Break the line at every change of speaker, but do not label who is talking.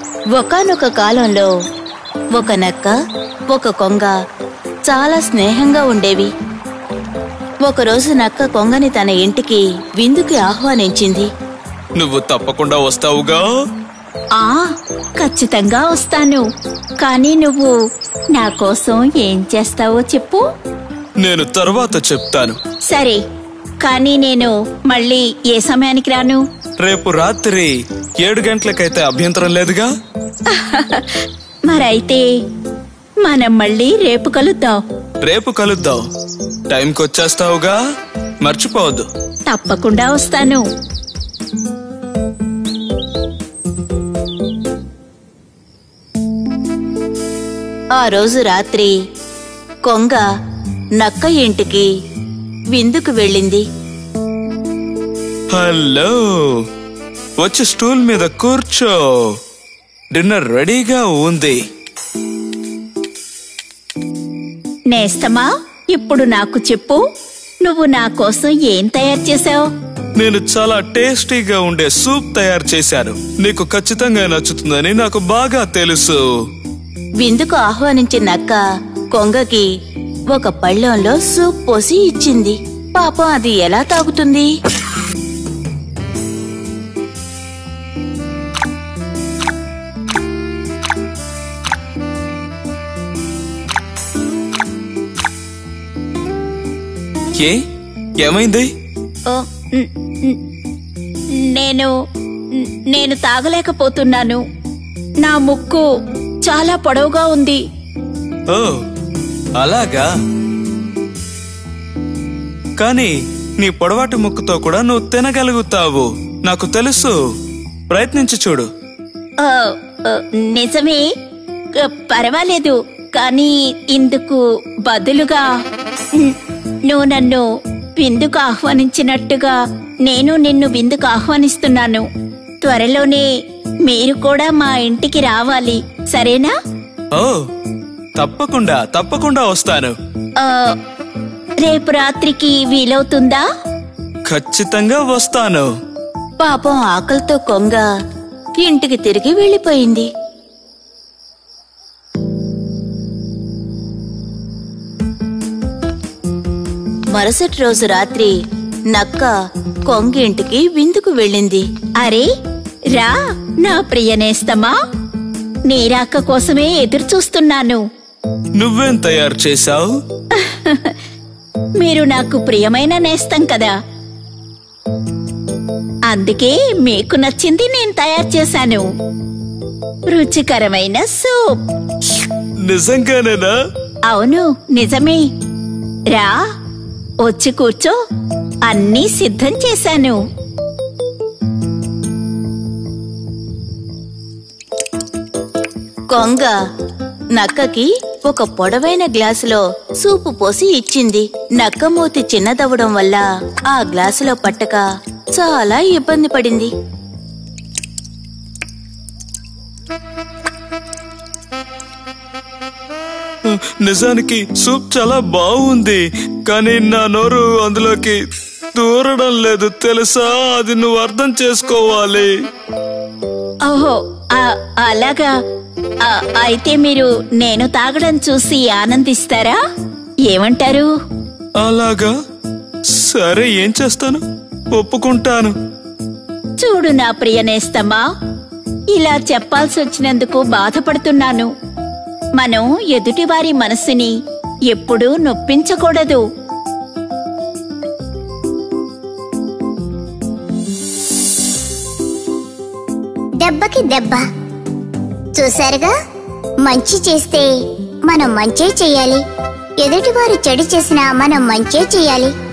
ఒకానొక కాలంలో ఒక నక్క ఒక కొంగ చాలా స్నేహంగా ఉండేవి. ఒకరోజు నక్క కొంగని తన ఇంటికి విందుకి ఆహ్వానించింది.
నువ్వు తప్పకుండా వస్తావుగా?
ఖచ్చితంగా వస్తాను. కానీ నువ్వు నా కోసం ఏం చేస్తావో చెప్పు.
నేను తర్వాత చెప్తాను.
సరే, కానీ నేను మళ్ళీ ఏ సమయానికి రాను?
రేపు రాత్రి 7 గంటలకైతే అభ్యంతరం లేదుగా?
మరైతే మనం మళ్ళీ రేపు కలుద్దాం.
రేపు కలుద్దాం. టైంకి వచ్చేస్తావుగా? మర్చిపోవద్దు.
తప్పకుండా వస్తాను.
ఆ రోజు రాత్రి కొంగ నక్క ఇంటికి విందుకు వెళ్ళింది.
హలో, వచ్చి స్టూల్ మీద కూర్చో. డిన్నర్ రెడీగా ఉంది.
నేస్తమా, ఇప్పుడు నాకు చెప్పు, నువ్వు నా కోసం ఏం తయారు చేసావు?
నేను చాలా టేస్టీగా ఉండే సూప్ తయారు చేశాను. నీకు ఖచ్చితంగా నచ్చుతుందని నాకు బాగా తెలుసు.
విందుకు ఆహ్వానించిన నక్క కొంగకి ఒక పళ్ళెంలో సూప్ పోసి ఇచ్చింది. పాపం అది ఎలా తాగుతుంది?
ఏమైంది?
నేను తాగలేకపోతున్నాను. నా ముక్కు చాలా పొడవుగా ఉంది.
ఓ అలాగా? కానీ నీ పొడవాటి ముక్కుతో కూడా నువ్వు తినగలుగుతావు. నాకు తెలుసు. ప్రయత్నించి చూడు.
నిజమే, పర్వాలేదు. కానీ ఇందుకు బదులుగా నువ్వు నన్ను విందుకు ఆహ్వానించినట్టుగా నేను నిన్ను విందుకు ఆహ్వానిస్తున్నాను. త్వరలోనే మీరు కూడా మా ఇంటికి రావాలి, సరేనా?
ఓ తప్పకుండా తప్పకుండా వస్తాను.
రేపు రాత్రికి వీలవుతుందా?
ఖచ్చితంగా వస్తాను.
పాపం ఆకలితో కొంగ ఇంటికి తిరిగి వెళ్ళిపోయింది. మరుసటి రోజు రాత్రి నక్క కొంగ ఇంటికి విందుకు వెళ్ళింది.
అరే రా నా ప్రియనేస్తమా, నీ రాక కోసమే ఎదురు చూస్తున్నాను.
నువ్వేం తయారు చేశావు?
మీరు నాకు ప్రియమైన నేస్తం కదా, అందుకే మీకు నచ్చింది నేను తయారు చేశాను. రుచికరమైన సూప్.
నిజంగానేనా?
అవును, నిజమే. రా, వచ్చి కూర్చో. అన్నీ సిద్ధం చేశాను.
కొంగ నక్కకి ఒక పొడవైన గ్లాసులో సూపు పోసి ఇచ్చింది. నక్క మూతి చిన్నదవడం వల్ల ఆ గ్లాసులో పట్టక చాలా ఇబ్బంది పడింది.
నిజానికి సూప్ చాలా బాగుంది, కానీ నా నోరు అందులోకి దూరడం లేదు తెలుసా? అది నువ్వు అర్థం చేసుకోవాలి.
ఓహో, అలాగా. అయితే మీరు నేను తాగడం చూసి ఆనందిస్తారా? ఏమంటారు?
అలాగా? సరే, ఏం చేస్తాను, ఒప్పుకుంటాను.
చూడు నా ప్రియనేస్తమా, ఇలా చెప్పాల్సి వచ్చినందుకు బాధపడుతున్నాను. మనం ఎదుటివారి మనసుని ఎప్పుడూ నొప్పించకూడదు.
దెబ్బకి దెబ్బ. చూశారుగా, మంచి చేస్తే మనం మంచే చెయ్యాలి, ఎదుటివారు చెడు చేసినా మనం మంచే చెయ్యాలి.